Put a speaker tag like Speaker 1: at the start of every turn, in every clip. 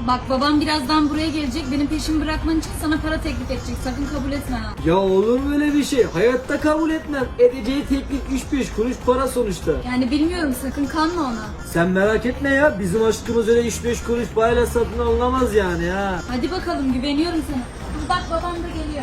Speaker 1: Bak babam birazdan buraya gelecek. Benim peşimi bırakman için sana para teklif edecek. Sakın kabul etme ha.
Speaker 2: Ya olur mu öyle bir şey? Hayatta kabul etmem. Edeceği teklif 3-5 kuruş para sonuçta.
Speaker 1: Yani bilmiyorum, sakın kanma ona.
Speaker 2: Sen merak etme ya. Bizim aşkımız öyle 3-5 kuruş parayla satın alınamaz yani ha.
Speaker 1: Hadi bakalım, güveniyorum sana. Bak babam da geliyor.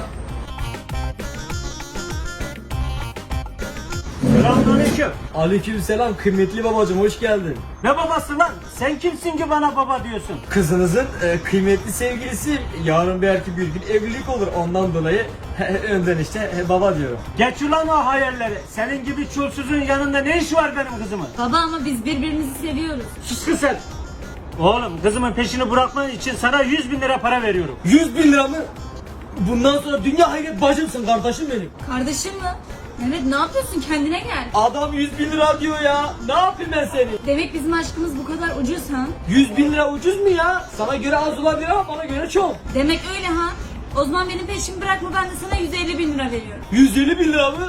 Speaker 3: Selamünaleyküm.
Speaker 2: Aleykümselam kıymetli babacığım, hoş geldin.
Speaker 3: Ne babası lan? Sen kimsin ki bana baba diyorsun?
Speaker 2: Kızınızın kıymetli sevgilisi. Yarın belki bir gün evlilik olur. Ondan dolayı önden işte baba diyorum.
Speaker 3: Geç ulan o hayalleri. Senin gibi çulsuzun yanında ne iş var benim kızımın?
Speaker 1: Baba ama biz birbirimizi seviyoruz.
Speaker 3: Sus kız sen. Oğlum kızımın peşini bırakman için sana 100.000 lira para veriyorum.
Speaker 2: 100.000 lira mı? Bundan sonra dünya hayret bacımsın kardeşim benim.
Speaker 1: Kardeşim mi? Mehmet ne yapıyorsun, kendine gel.
Speaker 2: Adam 100.000 lira diyor ya. Ne yapayım ben seni?
Speaker 1: Demek bizim aşkımız bu kadar ucuz ha?
Speaker 2: 100.000 lira ucuz mu ya? Sana göre az olabilir ama bana göre çok.
Speaker 1: Demek öyle ha? O zaman benim peşimi bırakma, ben de sana 150.000 lira veriyorum.
Speaker 2: 150.000 lira mı?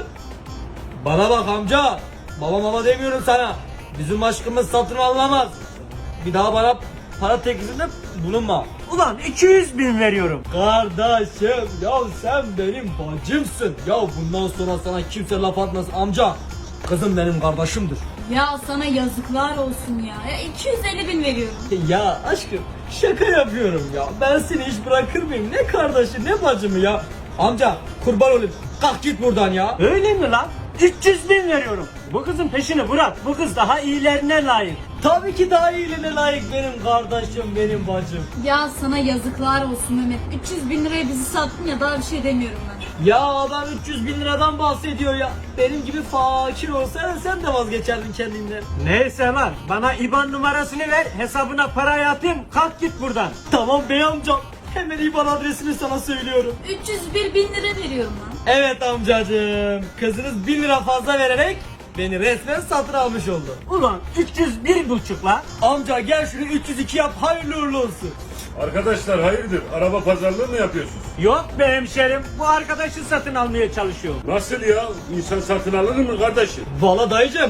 Speaker 2: Bana bak amca. Baba demiyorum sana. Bizim aşkımız satın alınamaz. Bir daha bana para teklifinde bulunma.
Speaker 3: Ulan 200.000 veriyorum.
Speaker 2: Kardeşim ya sen benim bacımsın. Ya bundan sonra sana kimse laf atmasın amca. Kızım benim kardeşimdir.
Speaker 1: Ya sana yazıklar olsun ya. Ya 250.000 veriyorum.
Speaker 2: Ya aşkım şaka yapıyorum ya. Ben seni hiç bırakır mıyım? Ne kardeşi ne bacımı ya. Amca kurban olayım. Kalk git buradan ya.
Speaker 3: Öyle mi lan? 300.000 veriyorum. Bu kızın peşini bırak. Bu kız daha iyilerine layık.
Speaker 2: Tabii ki daha iyiliğine layık benim kardeşim, benim bacım.
Speaker 1: Ya sana yazıklar olsun Mehmet. 300.000 liraya bizi sattın ya, daha bir şey demiyorum ben.
Speaker 2: Ya adam 300.000 liradan bahsediyor ya. Benim gibi fakir olsaydın sen de vazgeçerdin kendinden.
Speaker 3: Neyse lan, bana IBAN numarasını ver, hesabına parayı atayım, kalk git buradan.
Speaker 2: Tamam bey amcam. Hemen IBAN adresini sana söylüyorum.
Speaker 1: 301.000 lira veriyorum lan.
Speaker 2: Evet amcacığım. Kızınız 1 lira fazla vererek beni resmen satın almış oldu.
Speaker 3: Ulan 301,5 lan.
Speaker 2: Amca gel şunu 302 yap, hayırlı uğurlu olsun.
Speaker 4: Arkadaşlar hayırdır? Araba pazarlığı mı yapıyorsunuz?
Speaker 3: Yok be hemşerim, bu arkadaşı satın almaya çalışıyor.
Speaker 4: Nasıl ya? İnsan satın alır mı kardeşim?
Speaker 2: Valla dayıcım.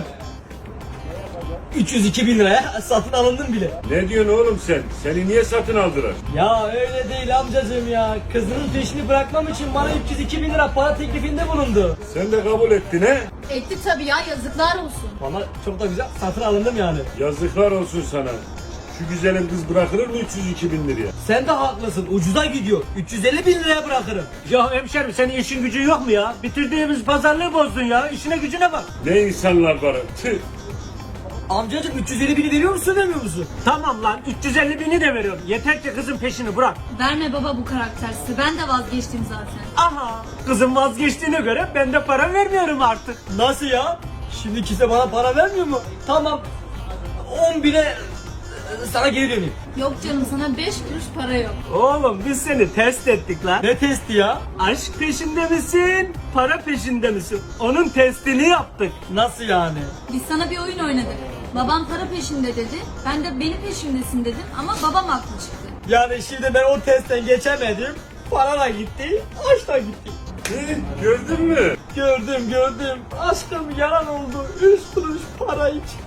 Speaker 2: 302 bin liraya satın alındın bile.
Speaker 4: Ne diyorsun oğlum sen? Seni niye satın aldılar?
Speaker 2: Ya öyle değil amcacığım ya. Kızının peşini bırakmam için bana 302 bin lira para teklifinde bulundu.
Speaker 4: Sen de kabul ettin he?
Speaker 1: Etti tabii ya, yazıklar olsun.
Speaker 2: Valla çok da güzel satın alındım yani.
Speaker 4: Yazıklar olsun sana. Şu güzelim kız bırakılır mı 302 bin liraya?
Speaker 2: Sen de haklısın, ucuza gidiyor. 350 bin liraya bırakırım.
Speaker 3: Ya hemşerim, senin işin gücün yok mu ya? Bitirdiğimiz pazarlığı bozdun ya, işine gücüne bak.
Speaker 4: Ne insanlar var? Tüh.
Speaker 2: Amcacığım 350 bini veriyor musun vermiyor musun?
Speaker 3: Tamam lan, 350.000'i de veriyorum. Yeter ki kızın peşini bırak.
Speaker 1: Verme baba bu karaktersiz. Ben de vazgeçtim zaten.
Speaker 3: Aha, kızın vazgeçtiğine göre ben de para vermiyorum artık.
Speaker 2: Nasıl ya? Şimdi kimse bana para vermiyor mu? Tamam. 10 bine sana geri döneyim.
Speaker 1: Yok canım, sana 5 kuruş para yok.
Speaker 3: Oğlum biz seni test ettik lan.
Speaker 2: Ne testi ya?
Speaker 3: Aşk peşinde misin? Para peşinde misin? Onun testini yaptık.
Speaker 2: Nasıl yani?
Speaker 1: Biz sana bir oyun oynadık. Babam para peşinde dedi. Ben de benim peşimdesin dedim ama babam haklı çıktı.
Speaker 2: Yani şimdi ben o testten geçemedim. Para da gitti, aşk da gitti.
Speaker 4: Gördün mü?
Speaker 2: Gördüm. Aşkım yalan oldu. 3 kuruş para için.